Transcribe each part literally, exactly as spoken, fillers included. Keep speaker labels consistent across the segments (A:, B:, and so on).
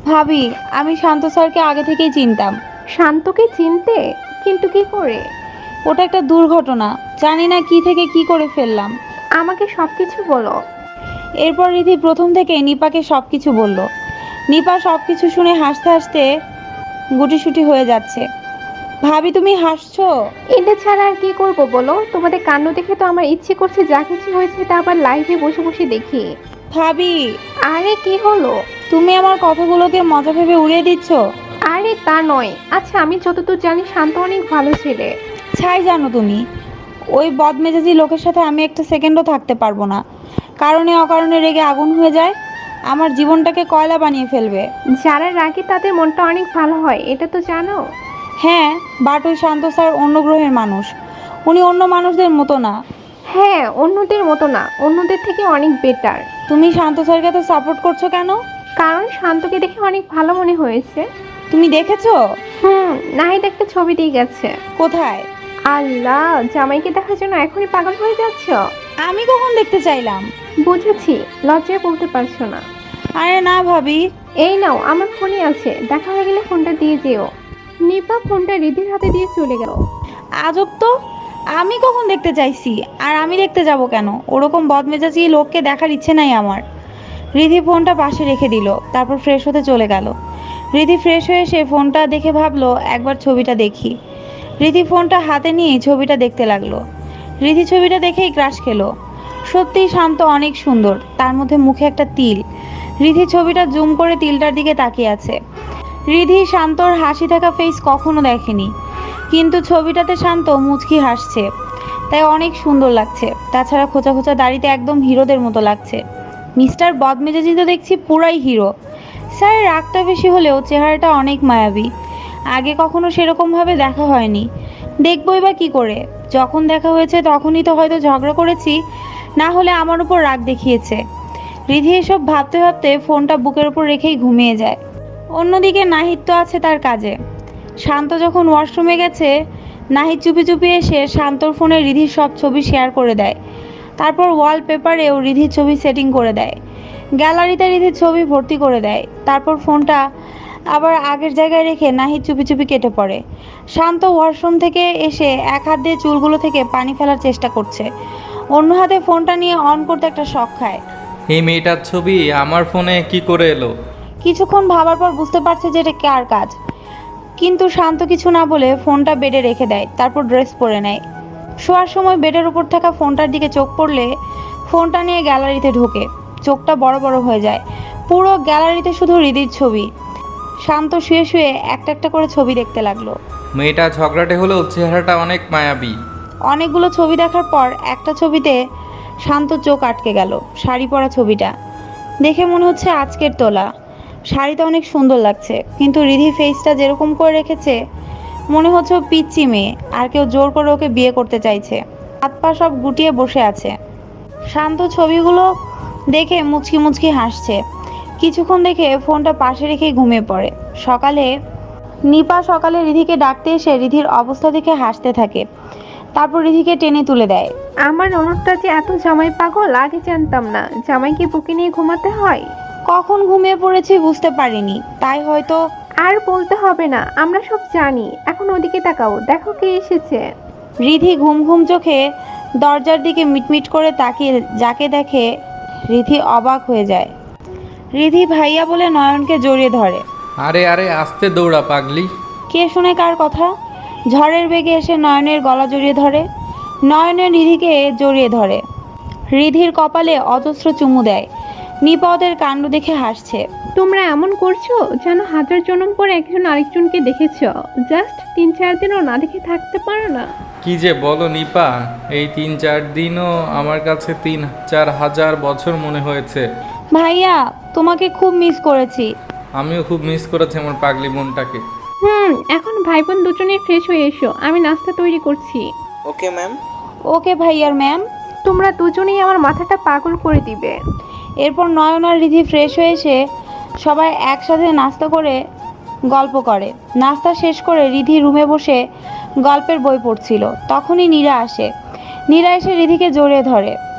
A: ভাবি, আমি শান্ত স্যারকে আগে থেকেই চিনতাম।
B: শান্তকে চিনতে? কিন্তু কি করে?
A: ওটা একটা দুর্ঘটনা, জানি না কি থেকে কি করে ফেললাম।
B: আমাকে সব কিছু বলো।
A: এরপর রিধি প্রথম থেকে নিপাকে সব কিছু বলল। নিপা সব কিছু শুনে হাসতে হাসতে গুটিসুটি হয়ে যাচ্ছে। ভাবি, তুমি হাসছো?
B: এটা ছাড়া আর কি করব বলো? তোমাদের কাণ্ড দেখে তো আমার ইচ্ছে করছে যা কিছু হয়েছে তা আবার লাইভে বসে বসে দেখি।
A: ভাবি,
B: আরে কি হলো?
A: তুমি আমার কথাগুলোকে মজা ভেবে উড়িয়ে দিচ্ছ।
B: আরে তা নয়। আচ্ছা, আমি যতদূর জানি শান্ত অনেক ভালো ছেলে।
A: ছাই জানো তুমি, ওই বদমেজাজি লোকের সাথে আমি একটা সেকেন্ডও থাকতে পারবো না। কারণে অকারণে রেগে আগুন হয়ে যায়, আমার জীবনটাকে কয়লা বানিয়ে ফেলবে।
B: যারা রাগে তাদের মনটা অনেক ভালো হয়, এটা তো জানো।
A: হ্যাঁ, বাট ওই শান্ত স্যার অন্য গ্রহের মানুষ, উনি অন্য মানুষদের মতো না।
B: হ্যাঁ, অন্যদের মতো না, অন্যদের থেকে অনেক বেটার।
A: তুমি শান্ত স্যারকে তো সাপোর্ট করছো কেন?
B: কারণ শান্তকে দেখে অনেক ভালো মনে হয়েছে।
A: তুমি দেখেছো?
B: হুম, নাহিদ একটা ছবি দিয়ে গেছে।
A: কোথায়?
B: আল্লাহ, জামাইকে দেখার জন্য এখনই পাগল হয়ে যাচ্ছ?
A: আমি কখন দেখতে চাইলাম?
B: বুঝেছি, লজ্জায় বলতে পারছো না।
A: আরে না ভাবি।
B: এই নাও, আমার ফোনই আছে, দেখা হয়ে গেলে ফোনটা দিয়ে যেও। নিপা ফোনটা রিধির হাতে দিয়ে চলে গেল।
A: আজব তো, আমি কখন দেখতে চাইছি? আর আমি দেখতে যাব কেন? ওরকম বদমেজাজি লোককে দেখার ইচ্ছে নাই আমার। রিধি ফোনটা পাশে রেখে দিল, তারপর ফ্রেশ হতে চলে গেল। রিধি ফ্রেশ হয়ে এসে ফোনটা দেখে ভাবলো একবার ছবিটা দেখি। রিধি ফোনটা হাতে নিয়ে ছবিটা দেখতে লাগলো। রিধি ছবিটা দেখেই ক্রাশ খেলো। সত্যিই শান্ত অনেক সুন্দর, তার মধ্যে মুখে একটা তিল। রিধি ছবিটা জুম করে তিলটার দিকে তাকিয়ে আছে। রিধি শান্তর হাসি থাকা ফেস কখনো দেখেনি, কিন্তু ছবিটাতে শান্ত মুচকি হাসছে, তাই অনেক সুন্দর লাগছে। তাছাড়া খোঁচা খোঁচা দাড়িতে একদম হিরোদের মতো লাগছে। মিস্টার বদমেজাজি তো দেখছি পুরাই হিরো। স্যার রাগটা বেশি হলেও চেহারাটা অনেক মায়াবী। আগে কখনো সেরকমভাবে দেখা হয়নি, দেখবই বা কী করে? যখন দেখা হয়েছে তখনই তো হয়তো ঝগড়া করেছি, না হলে আমার উপর রাগ দেখিয়েছে। রিধি এসব ভাবতে ভাবতে ফোনটা বুকের উপর রেখেই ঘুমিয়ে যায়। অন্যদিকে নাহিদ তো আছে তার কাজে। শান্ত যখন ওয়াশরুমে গেছে, নাহিদ চুপি চুপি এসে শান্তর ফোনে রিধির সব ছবি শেয়ার করে দেয়। তারপর ওয়ালপেপারেও রিধির ছবি সেটিং করে দেয়, গ্যালারিতে রিধির ছবি ভর্তি করে দেয়। তারপর ফোনটা আবার আগের জায়গায় রেখে নাহিদ চুপি চুপি কেটে পড়ে। শান্ত ওয়াশরুম থেকে এসে এক হাত দিয়ে চুলগুলো থেকে পানি ফেলার চেষ্টা করছে, অন্য হাতে ফোনটা নিয়ে অন করতে একটা শখ খায়।
C: এই মেয়েটার ছবি আমার ফোনে কি করে এলো?
A: কিছুক্ষণ ভাবার পর বুঝতে পারছে যে এটা কার কাজ, কিন্তু শান্ত কিছু না বলে ফোনটা বেডে রেখে দেয়। তারপর ড্রেস পরে নেয়। শোয়ার সময় বেডের উপর থাকা ফোনটার দিকে চোখ পড়লে ফোনটা নিয়ে গ্যালারিতে ঢোকে। চোখটা বড় বড় হয়ে যায়। পুরো গ্যালারিতে শুধু হৃদির ছবি। শান্ত শুয়ে শুয়ে একটা একটা করে ছবি দেখতে লাগলো।
C: মেয়েটা ঝগড়াটে হলেও চেহারাটা অনেক মায়াবী।
A: অনেকগুলো ছবি দেখার পর একটা ছবিতে শান্ত চোখ আটকে গেল। শাড়ি পরা ছবিটা দেখে মনে হচ্ছে আজকের তোলা। শাড়িটা অনেক সুন্দর লাগছে, কিন্তু রিধি ফেসটা যেরকম করে রেখেছে মনে হচ্ছে ও পিচ্চি মেয়ে, আর কেউ জোর করে ওকে বিয়ে করতে চাইছে। হাত পা সব গুটিয়ে বসে আছে। শান্ত ছবিগুলো দেখে মুচকি মুচকি হাসছে। কিছুক্ষণ দেখে ফোনটা পাশে রেখেই ঘুমিয়ে পড়ে। সকালে নিপা সকালে রিধিকে ডাকতে এসে রিধির অবস্থা দেখে হাসতে থাকে, তারপর রিধিকে টেনে তুলে দেয়।
B: আমার ননদটা যে এত জামাই পাগল, আগে জানতাম না। জামাইকে বুকে নিয়ে ঘুমাতে হয়।
A: কখন ঘুমিয়ে পড়েছি বুঝতে পারিনি, তাই হয়তো।
B: আর বলতে হবে না, আমরা সব জানি। এখন ওদিকে তাকাও, দেখো কে এসেছে।
A: রিধি ঘুম ঘুম চোখে দরজার দিকে মিটমিট করে তাকিয়ে যাকে দেখে রিধি অবাক হয়ে যায়। রিধি ভাইয়া বলে নয়নকে জড়িয়ে ধরে।
C: আরে আরে আস্তে দৌড়া পাগলি।
A: কে শুনে কার কথা? ঝড়ের বেগে এসে নয়নের গলা জড়িয়ে ধরে। নয়নের রিধিকে জড়িয়ে ধরে। রিধির কপালে অজস্র চুমু দেয়। নিপা ওদের কাণ্ড দেখে হাসছে।
B: তোমরা এমন করছো যেন হাজার জন্ম পরে একজন আরেকজনকে দেখেছো। জাস্ট তিন চার দিনও না দেখে থাকতে পারো না?
C: কি যে বলো নিপা, এই তিন চার দিনও আমার কাছে তিন চার হাজার বছর মনে হয়েছে।
A: ভাইয়া, তোমাকে খুব মিস করেছি।
C: আমিও খুব মিস করেছি আমার পাগলি বোনটাকে।
B: হুম, এখন ভাই বোন দুজনে ফ্রেশ হয়ে এসো, আমি নাস্তা তৈরি করছি।
D: Okay ma'am.
A: ওকে ভাইয়ার ম্যাম।
B: তোমরা দুজনেই আমার মাথাটা পাগল করে দিবে।
A: এরপর নয়ন আর রিধি ফ্রেশ হয়ে এসে সবাই একসাথে নাস্তা করে গল্প করে। নাস্তা শেষ করে রিধি রুমে বসে গল্পের বই পড়ছিল। তখনই নীরা আসে। নীরা এসে রিধিকে জড়িয়ে ধরে।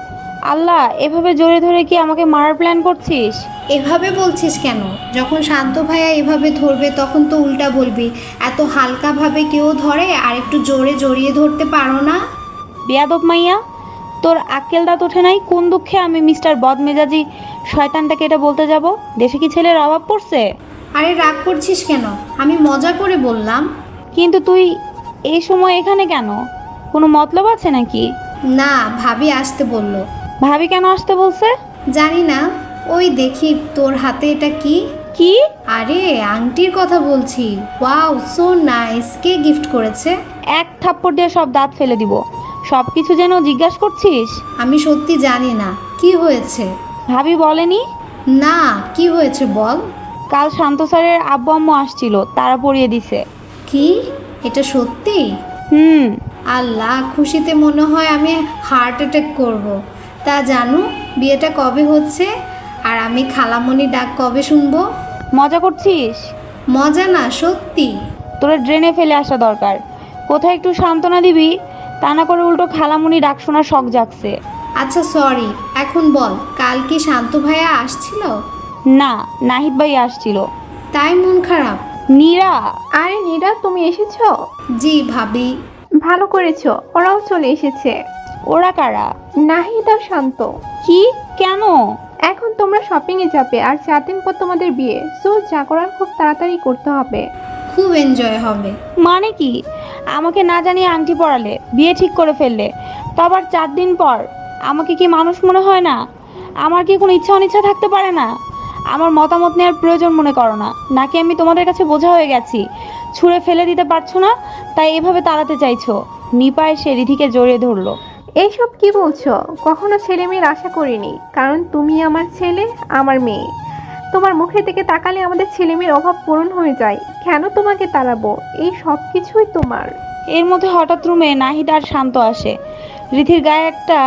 A: আল্লাহ, এভাবে জোরে ধরে কি আমাকে মারার প্ল্যান করছিস?
D: এভাবে বলছিস কেন? যখন শান্ত ভাইয়া এভাবে ধরবে তখন তো উল্টা বলবি, এত হালকাভাবে কেউ ধরে আর একটু জোরে জড়িয়ে ধরতে পারো না?
A: বেয়াদব মাইয়া, তোর আক্কেল দাঁত ওঠে নাই? কোন দুঃখে আমি মিস্টার বদমেজাজি শয়তানটাকে এটা বলতে যাব? দেশে কি ছেলের অভাব পড়ছে?
D: আরে রাগ করছিস কেন? আমি মজা করে বললাম।
A: কিন্তু তুই এই সময় এখানে কেন? কোনো মতলব আছে নাকি?
D: না, ভাবি আসতে বললো।
A: ভাবি কেন আসতে বলছে?
D: জানি না, ওই দেখি তোর হাতে এটা কি?
A: কি?
D: আরে আংটির কথা বলছি। Wow, so nice. কে গিফট করেছে?
A: এক থাপ্পড় দিয়ে সব দাঁত ফেলে দিব। সব কিছু যেন জিজ্ঞাসা করছিস?
D: আমি সত্যি জানি না কি হয়েছে।
A: ভাবি বলেনি?
D: না, কি হয়েছে বল।
A: কাল শান্ত স্যারের আব্বু আম্মু আসছিল, তারা পরিয়ে দিছে।
D: কি? এটা সত্যি?
A: হুম।
D: আল্লাহ, খুশিতে মনে হয় আমি হার্ট অ্যাটাক করব। তা জানু, বিয়েটা কবে হচ্ছে? আর আমি খালামণি ডাক কবে শুনবো?
A: মজা করছিস?
D: মজা না, সত্যি।
A: তোরা ড্রেনে ফেলে আসা দরকার। কোথায় একটু সান্ত্বনা দিবি, তা না করে উল্টো খালামুনি ডাক শোনার শখ জাগছে।
D: আচ্ছা সরি, এখন বল, কাল কি শান্ত ভাইয়া আসছিল?
A: না, নাহিদ ভাই আসছিল।
D: তাই মন খারাপ?
A: নীরা।
B: আরে নীরা, তুমি এসেছো?
D: জি ভাবি।
B: ভালো করেছো, ওরাও চলে এসেছে।
A: ওরা কারা?
B: নাহিদ আর শান্ত।
A: কি? কেন?
B: এখন তোমরা শপিং এ যাবে আর চার দিন পর তোমাদের বিয়ে, সো যা করার খুব তাড়াতাড়ি করতে হবে।
D: খুব এনজয় হবে।
A: মানে কি? আমাকে না জানিয়ে আংটি পরালে, বিয়ে ঠিক করে ফেললে, তো আবার চার দিন পর? আমাকে কি মানুষ মনে হয় না? আমার কি কোনো ইচ্ছা অনিচ্ছা থাকতে পারে না? আমার মতামত নেওয়ার প্রয়োজন মনে করো না? নাকি আমি তোমাদের কাছে বোঝা হয়ে গেছি? ছুঁড়ে ফেলে দিতে পারছো না, তাই এভাবে তাড়াতে চাইছো? নিপা এসে রিধিকে জড়িয়ে ধরলো।
B: এইসব কি বলছো? কখনো ছেলে মেয়ের আশা করিনি, কারণ তুমি আমার ছেলে, আমার মেয়ে। তোমার মুখের দিকে তাকালে আমাদের ছেলে মেয়ের অভাব পূরণ হয়ে যায়। কেন তোমাকে তাড়াবো? এই সব কিছুই তোমার।
A: এর মধ্যে হঠাৎ রুমে নাহিদ আর শান্ত আসে। রিধির গায়ে একটা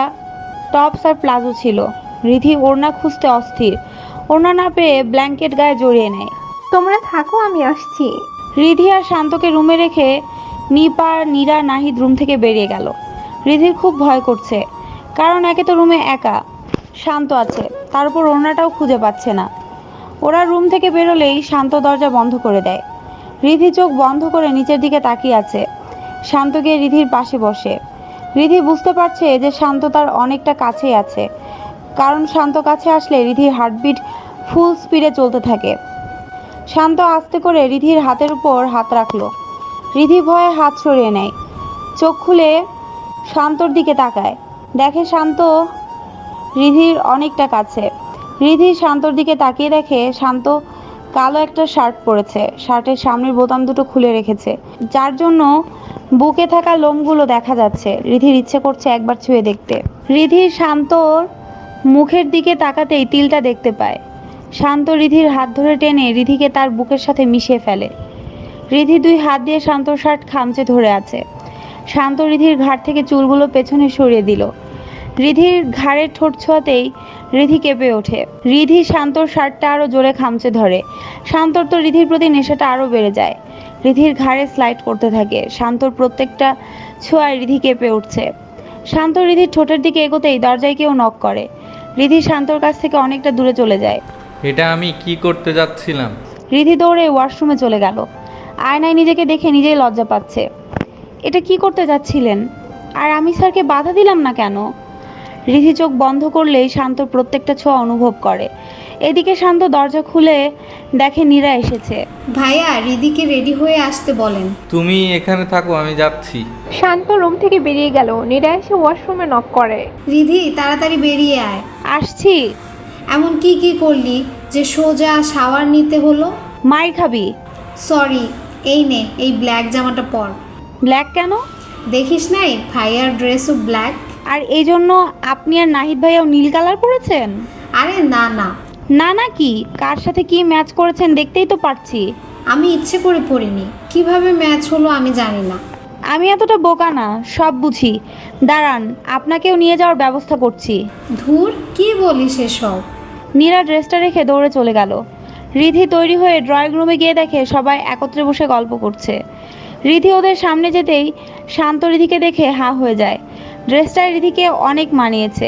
A: টপস আর প্লাজো ছিল। রিধি ওড়না খুঁজতে অস্থির, ওড়না না পেয়ে ব্ল্যাঙ্কেট গায়ে জড়িয়ে নেয়।
B: তোমরা থাকো, আমি আসছি।
A: রিধি আর শান্তকে রুমে রেখে নিপা আর নীরা নাহিদ রুম থেকে বেরিয়ে গেল। রিধির খুব ভয় করছে, কারণ একে তো রুমে একা, শান্ত আছে, তার উপর ওড়নাটাও খুঁজে পাচ্ছে না। ওরা রুম থেকে বেরোলেই শান্ত দরজা বন্ধ করে দেয়। রিধি চোখ বন্ধ করে নিচের দিকে তাকিয়ে আছে। শান্ত গিয়ে রিধির পাশে বসে। রিধি বুঝতে পারছে যে শান্ত তার অনেকটা কাছেই আছে, কারণ শান্ত কাছে আসলে রিধির হার্টবিট ফুল স্পিডে চলতে থাকে। শান্ত আস্তে করে রিধির হাতের উপর হাত রাখলো। রিধি ভয়ে হাত সরিয়ে নেয়, চোখ খুলে শান্তর দিকে তাকায়, দেখে শান্ত রিধির অনেকটা কাছে। রিধি শান্তর দিকে তাকিয়ে দেখে শান্ত কালো একটা শার্ট পরেছে, শার্টের সামনের বোতাম দুটো খুলে রেখেছে, যার জন্য বুকে থাকা লোমগুলো দেখা যাচ্ছে। রিধির ইচ্ছে করছে একবার ছুঁয়ে দেখতে। রিধির শান্তর মুখের দিকে তাকাতেই তিলটা দেখতে পায়। শান্ত রিধির হাত ধরে টেনে রিধিকে তার বুকের সাথে মিশিয়ে ফেলে। রিধি দুই হাত দিয়ে শান্তর শার্ট খামচে ধরে আছে। শান্ত রিধির ঘাড় থেকে চুলগুলো পেছনে সরিয়ে দিল। রিধির ঘাড়ের ঠোঁট ছোঁয়াতেই রিধি কেঁপে ওঠে। রিধি শান্তর শার্টটা আরো জোরে খামচে ধরে। শান্তর তো রিধির প্রতি নেশাটা আরো বেড়ে যায়। রিধির ঘাড়ে স্লাইড করতে থাকে। শান্তর প্রত্যেকটা ছোঁয়ায় রিধি কেঁপে উঠছে। শান্ত রিধির ঠোঁটের দিকে এগোতেই দরজায় কেউ নক করে। রিধি শান্তর কাছ থেকে অনেকটা দূরে চলে যায়।
C: এটা আমি কি করতে যাচ্ছিলাম?
A: রিধি দৌড়ে ওয়াশরুমে চলে গেল। আয়নায় নিজেকে দেখে নিজেই লজ্জা পাচ্ছে। এটা কি করতে যাচ্ছিলেন? আর আমি স্যারকে বাধা দিলাম না কেন? রিধি চোখ বন্ধ করলেই শান্ত প্রত্যেকটা ছোঁয়া অনুভব করে। এদিকে শান্ত দরজা খুলে দেখে নীরা এসেছে।
D: ভাইয়া, রিদিকে রেডি হয়ে আসতে বলেন।
C: তুমি এখানে থাকো, আমি যাচ্ছি।
B: শান্ত রুম থেকে বেরিয়ে গেল। নীরা এসে ওয়াশরুমে নক করে।
D: রিধি, তাড়াতাড়ি বেরিয়ে আয়।
A: আসছি।
D: এমন কি কি করলি যে সোজা শাওয়ার নিতে হলো?
A: মাই খাবি?
D: সরি, এই নে, এই ব্ল্যাক জামাটা পর।
A: ব্ল্যাক কেন?
D: দেখিস নাই ভাইয়ার ড্রেসও ব্ল্যাক?
A: আর এই জন্য আপনি আর নাহিদ ভাইয়াও নীল কালার পরেছেন?
D: আরে না না,
A: না না কি? কার সাথে কি ম্যাচ করেছেন দেখতেই তো পারছি।
D: আমি ইচ্ছে করে পরিনি, কিভাবে ম্যাচ হলো আমি জানি না।
A: আমি এতটা বোকা না, সব বুঝি। দাঁড়ান, আপনাকেও নিয়ে যাওয়ার ব্যবস্থা করছি।
D: ধুর, কি বলিস এসব?
A: নীরা ড্রেসটা রেখে দৌড়ে চলে গেল। রিধি তৈরি হয়ে ড্রয়িং রুমে গিয়ে দেখে সবাই একত্রে বসে গল্প করছে। রিধি ওদের সামনে যেতেই শান্ত রিধিকে দেখে হাঁ হয়ে যায়। ড্রেসটা রিধিকে অনেক মানিয়েছে।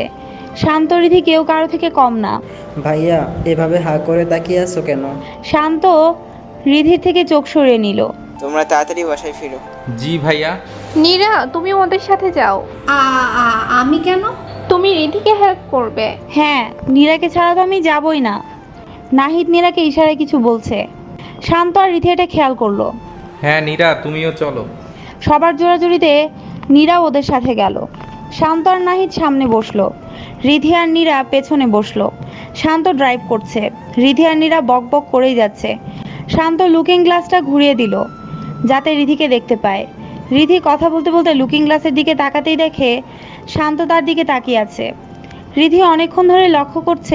A: শান্ত রিধি কেউ কারো থেকে কম না।
E: ভাইয়া এভাবে হা করে তাকিয়ে আছো কেন?
A: শান্ত রিধির থেকে চোখ সরিয়ে নিল।
F: তোমরা তাড়াতাড়ি বাসায় ফিরো।
C: জি ভাইয়া।
B: নীরা, তুমি ওদের সাথে যাও।
D: আ আ- আমি কেন?
B: তুমি রিধিকে হেল্প করবে।
A: হ্যাঁ, নীরাকে ছাড়া তো আমি যাবই না। নাহিদ নীরাকে ইশারায় কিছু বলছে। শান্ত আর রিধি এটা খেয়াল করলো।
C: হ্যাঁ নীরা, তুমিও চলো।
A: সবার জোরাজুরিতে নীরা ওদের সাথে গেল। শান্ত আর নাহিদ সামনে বসলো, রিধি আর নীরা পেছনে বসলো। শান্ত ড্রাইভ করছে, রিধি আর নীরা বক বক করেই যাচ্ছে। শান্ত লুকিং গ্লাসটা ঘুরিয়ে দিল যাতে রিধিকে দেখতে পায়। রিধি কথা বলতে বলতে লুকিং গ্লাসের দিকে তাকাতেই দেখে শান্ত তার দিকে তাকিয়ে আছে। রিধি অনেকক্ষণ ধরে লক্ষ্য করছে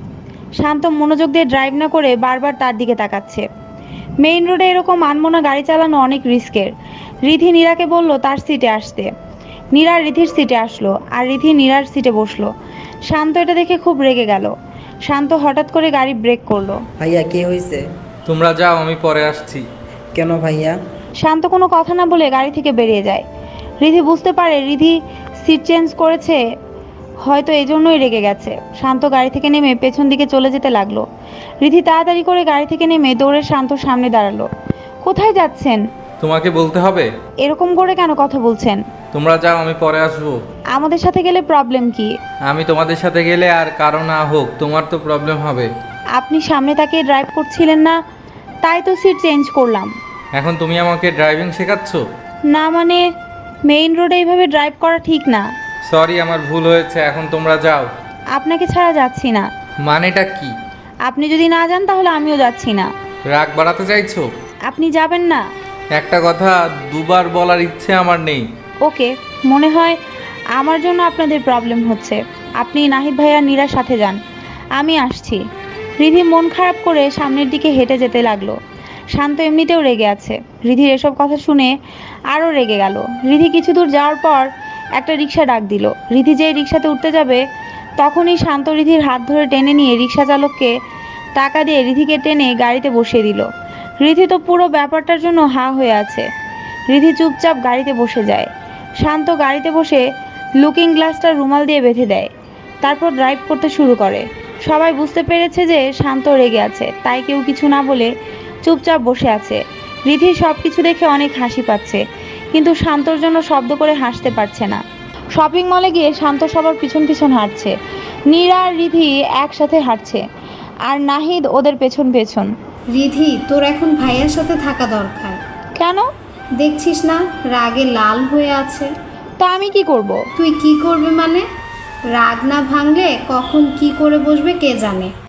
A: শান্ত মনোযোগ দিয়ে ড্রাইভ না করে বারবার তার দিকে তাকাচ্ছে। মেইন রোডে এরকম আনমনা গাড়ি চালানো অনেক রিস্কের। রিধি নীরাকে বলল তার সিটে আসতে। নীরা রিধির সিটে আসলো আর রিধি নীরার সিটে বসলো। শান্ত এটা দেখে খুব রেগে গেল। শান্ত হঠাৎ করে গাড়ি ব্রেক করলো।
E: ভাইয়া কি হয়েছে?
C: তোমরা যাও, আমি পরে আসছি।
E: কেন ভাইয়া?
A: শান্ত কোনো কথা না বলে গাড়ি থেকে বেরিয়ে যায়। রিধি বুঝতে পারে রিধি সিট চেঞ্জ করেছে, হয়তো এই জন্যই রেগে গেছে। শান্ত গাড়ি থেকে নেমে পেছন দিকে চলে যেতে লাগলো। রিধি তাড়াতাড়ি করে গাড়ি থেকে নেমে দৌড়ে শান্তর সামনে দাঁড়ালো। কোথায় যাচ্ছেন?
C: তোমাকে বলতে হবে?
A: এরকম করে কেন কথা বলছেন?
C: তোমরা যাও, আমি পরে আসবো।
A: আমাদের সাথে গেলে প্রবলেম কি?
C: আমি তোমাদের সাথে গেলে আর কারো না হোক, তোমার তো প্রবলেম হবে।
A: আপনি সামনে তাকিয়ে ড্রাইভ করছিলেন না, তাই তো সিট চেঞ্জ করলাম।
C: এখন তুমি আমাকে ড্রাইভিং শেখাচ্ছ?
A: না মানে, মেইন রোডে এইভাবে ড্রাইভ করা ঠিক না।
C: সরি, আমার ভুল হয়েছে, এখন তোমরা যাও।
A: আপনাকে ছাড়া যাচ্ছি না।
C: মানেটা কি?
A: আপনি যদি না যান তাহলে আমিও যাচ্ছি না।
C: রাগ বাড়াতে চাইছো?
A: আপনি যাবেন না?
C: একটা কথা দুবার বলার ইচ্ছে আমার নেই।
A: ওকে, মনে হয় আমার জন্য আপনাদের প্রবলেম হচ্ছে। আপনি নাহিদ ভাইয়া নীরার সাথে যান, আমি আসছি। রিধি মন খারাপ করে সামনের দিকে হেঁটে যেতে লাগলো। শান্ত এমনিতেও রেগে আছে। রিধির এসব কথা শুনে আরও রেগে গেল। রিধি কিছু দূর যাওয়ার পর একটা রিক্সা ডাক দিল। রিধি যেই রিক্সাতে উঠতে যাবে তখনই শান্ত রিধির হাত ধরে টেনে নিয়ে রিক্সা চালককে টাকা দিয়ে রিধিকে টেনে গাড়িতে বসিয়ে দিল। রিধি তো পুরো ব্যাপারটার জন্য হা হয়ে আছে। রিধি চুপচাপ গাড়িতে বসে যায়। শান্ত গাড়িতে বসে লুকিং গ্লাসটা রুমাল দিয়ে বেঁধে দেয়, তারপর ড্রাইভ করতে শুরু করে। সবাই বুঝতে পেরেছে যে শান্ত রেগে আছে, তাই কেউ কিছু না বলে চুপচাপ বসে আছে। রিধি সব কিছু দেখে অনেক হাসি পাচ্ছে, কিন্তু শান্তর জন্য শব্দ করে হাসতে পারছে না। শপিং মলে গিয়ে শান্ত সবার পিছন পিছন হাঁটছে। নীরা আর রিধি একসাথে হাঁটছে আর নাহিদ ওদের পেছন পেছন।
D: রিধি, তোর এখন ভাইয়ার সাথে থাকা দরকার।
A: কেন?
D: দেখছিস না রাগে লাল হয়ে আছে।
A: তা আমি কি করব?
D: তুই কি করবে মানে? রাগ না ভাঙলে কখন কি করে বসবে কে জানে।